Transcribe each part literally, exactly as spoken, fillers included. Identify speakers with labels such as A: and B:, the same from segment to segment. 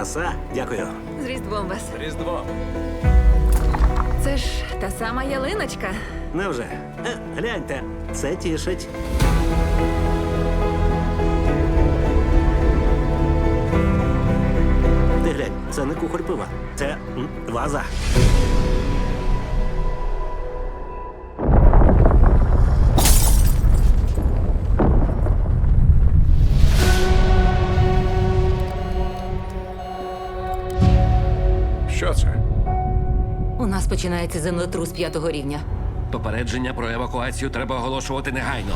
A: Краса, дякую.
B: З Різдвом вас.
C: Різдво.
B: Це ж та сама ялиночка.
A: Невже? Е, гляньте, це тішить. Ти глянь, це не кухоль пива, це м, ваза.
C: Що це?
D: У нас починається землетрус п'ятого рівня.
E: Попередження про евакуацію треба оголошувати негайно.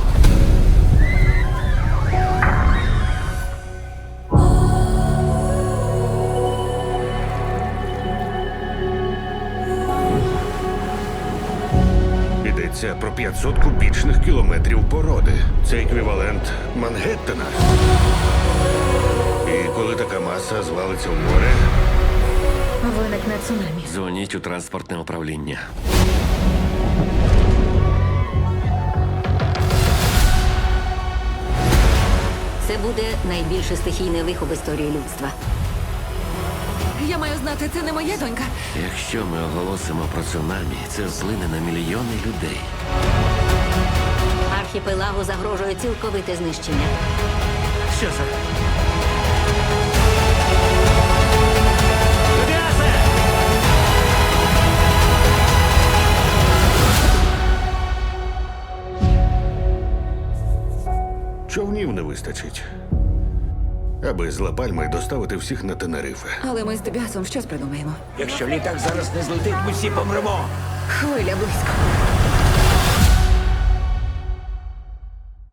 F: Йдеться про п'ятсот кубічних кілометрів породи. Це еквівалент Мангеттена. І коли така маса звалиться в море,
B: Виникне цунамі.
E: Дзвоніть у транспортне управління.
D: Це буде найбільше стихійне лихо в історії людства.
B: Я маю знати, це не моя донька.
E: Якщо ми оголосимо про цунамі, це вплине на мільйони людей.
D: Архіпелагу загрожує цілковите знищення.
A: Що це?
F: човнів не вистачить. Аби з Ла-Пальми доставити всіх на Тенерифе.
B: Але ми з Тобіасом щось придумаємо.
C: Якщо літак зараз не злетить, ми всі помремо.
B: Хвиля близько.